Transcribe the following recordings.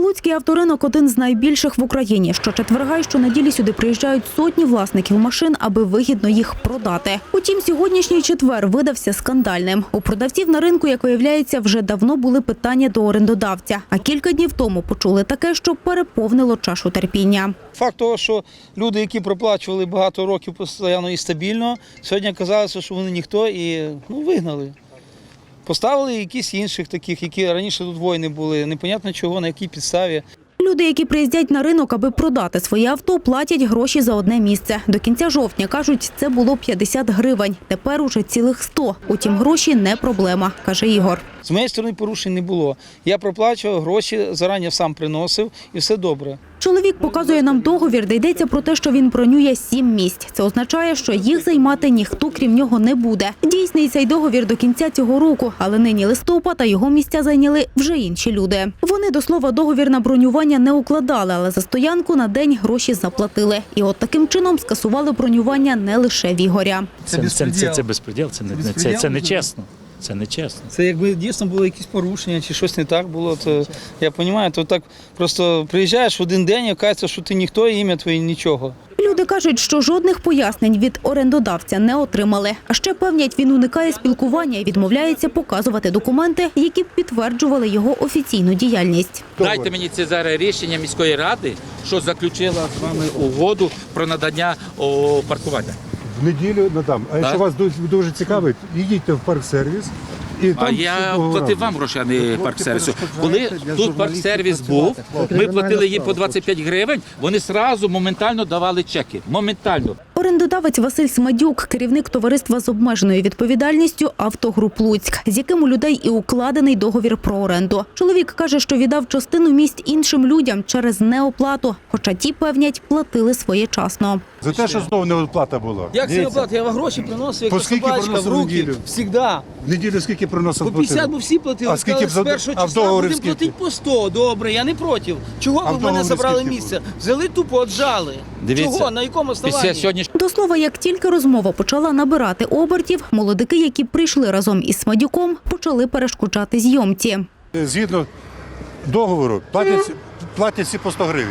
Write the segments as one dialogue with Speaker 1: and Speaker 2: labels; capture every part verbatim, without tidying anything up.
Speaker 1: Луцький авторинок – один з найбільших в Україні. Щочетверга й щонеділі сюди приїжджають сотні власників машин, аби вигідно їх продати. Утім, сьогоднішній четвер видався скандальним. У продавців на ринку, як виявляється, вже давно були питання до орендодавця. А кілька днів тому почули таке, що переповнило чашу терпіння.
Speaker 2: Факт того, що люди, які проплачували багато років постійно і стабільно, сьогодні казалося, що вони ніхто і ну, вигнали. Поставили якісь інших таких, які раніше тут воїни були, непонятно чого, на якій підставі.
Speaker 1: Люди, які приїздять на ринок, аби продати своє авто, платять гроші за одне місце. До кінця жовтня, кажуть, це було п'ятдесят гривень. Тепер уже цілих сто. Утім, гроші не проблема, каже Ігор.
Speaker 2: З моєї сторони порушень не було. Я проплачував гроші, зарані сам приносив і все добре.
Speaker 1: Чоловік показує нам договір, де йдеться про те, що він бронює сім місць. Це означає, що їх займати ніхто крім нього не буде. Дійсний цей договір до кінця цього року, але нині листопад, а його місця зайняли вже інші люди. Вони, до слова, договір на бронювання не укладали, але за стоянку на день гроші заплатили. І от таким чином скасували бронювання не лише в Ігоря.
Speaker 3: Це, це, це, це, це безпреділ, це, не, це, це не чесно. Це не чесно.
Speaker 2: Це якби дійсно було якісь порушення чи щось не так було, то я розумію, то так просто приїжджаєш в один день і кажеться, що ти ніхто, ім'я твоє нічого.
Speaker 1: Люди кажуть, що жодних пояснень від орендодавця не отримали. А ще певнять, він уникає спілкування і відмовляється показувати документи, які б підтверджували його офіційну діяльність.
Speaker 4: Дайте мені це зараз рішення міської ради, що заключила з вами угоду про надання о, паркування.
Speaker 5: В неділю надам. А якщо вас дуже цікавить, їдьте в парк-сервіс. І
Speaker 4: а я платив вам гроші, а не парк-сервісу. Коли тут парк-сервіс був, ми платили їм по двадцять п'ять гривень, вони одразу моментально давали чеки. Моментально.
Speaker 1: Орендодавець Василь Смадюк, керівник товариства з обмеженою відповідальністю «Автогруп Луцьк», з яким у людей і укладений договір про оренду. Чоловік каже, що віддав частину місць іншим людям через неоплату, хоча ті, певнять, платили своєчасно.
Speaker 5: За те, що знову неоплата була.
Speaker 2: Як це неоплата? Я вам гроші приносив, як собачка в руки, завжди.
Speaker 5: В неділю скільки приносив?
Speaker 2: По п'ятдесят, бо всі платили.
Speaker 5: А скільки
Speaker 2: з першого числа будемо платити по сто. Добре, я не проти. Чого ви в мене забрали місце? Взяли тупо, отжали. Чого? На якому основанні?
Speaker 1: До слова, як тільки розмова почала набирати обертів, молодики, які прийшли разом із Смадюком, почали перешкоджати зйомці.
Speaker 5: Згідно договору платять, платять всі по сто гривень.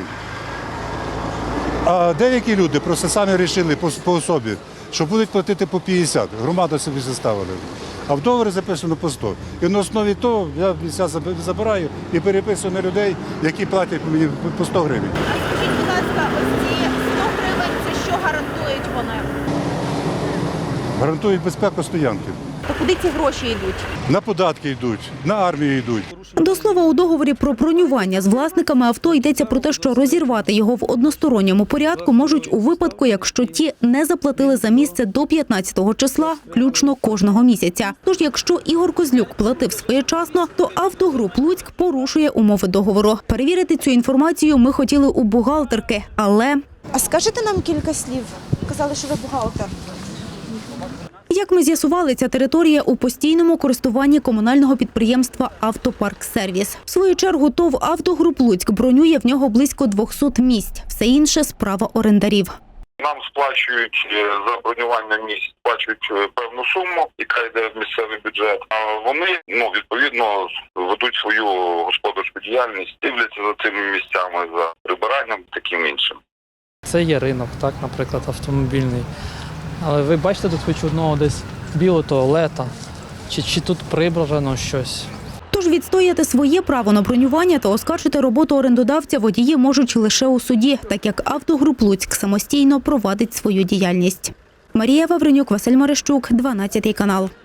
Speaker 5: А деякі люди просто самі вирішили по, по особі, що будуть платити по п'ятдесят. Громада собі заставили. А в договорі записано по сто. І на основі того я місця забираю і переписую на людей, які платять мені по сто гривень.
Speaker 6: А скажіть, будь ласка, ось ці сто гривень, це що гарантують вони?
Speaker 5: Гарантують безпеку стоянки.
Speaker 6: То куди ці гроші йдуть?
Speaker 5: На податки йдуть, на армію йдуть.
Speaker 1: До слова, у договорі про бронювання з власниками авто йдеться про те, що розірвати його в односторонньому порядку можуть у випадку, якщо ті не заплатили за місце до п'ятнадцятого числа, включно кожного місяця. Тож, якщо Ігор Козлюк платив своєчасно, то «Автогруп Луцьк» порушує умови договору. Перевірити цю інформацію ми хотіли у бухгалтерки, але...
Speaker 6: А скажете нам кілька слів? Казали, що ви бухгалтер.
Speaker 1: Як ми з'ясували, ця територія у постійному користуванні комунального підприємства «Автопарк-сервіс». В свою чергу ТОВ «Автогруп Луцьк» бронює в нього близько двохсот місць. Все інше – справа орендарів.
Speaker 7: Нам сплачують за бронювання місць, сплачують певну суму, яка йде в місцевий бюджет. А вони, ну, відповідно, ведуть свою господарську діяльність, дивляться за цими місцями, за прибиранням, таким іншим.
Speaker 8: Це є ринок, так, наприклад, автомобільний. Але ви бачите тут хоч одного десь білого туалета? Чи, чи тут прибрано щось?
Speaker 1: Тож відстояти своє право на бронювання та оскаржити роботу орендодавця водії можуть лише у суді, так як «Автогруп Луцьк» самостійно провадить свою діяльність. Марія Вавренюк, Василь Марищук, дванадцятий канал.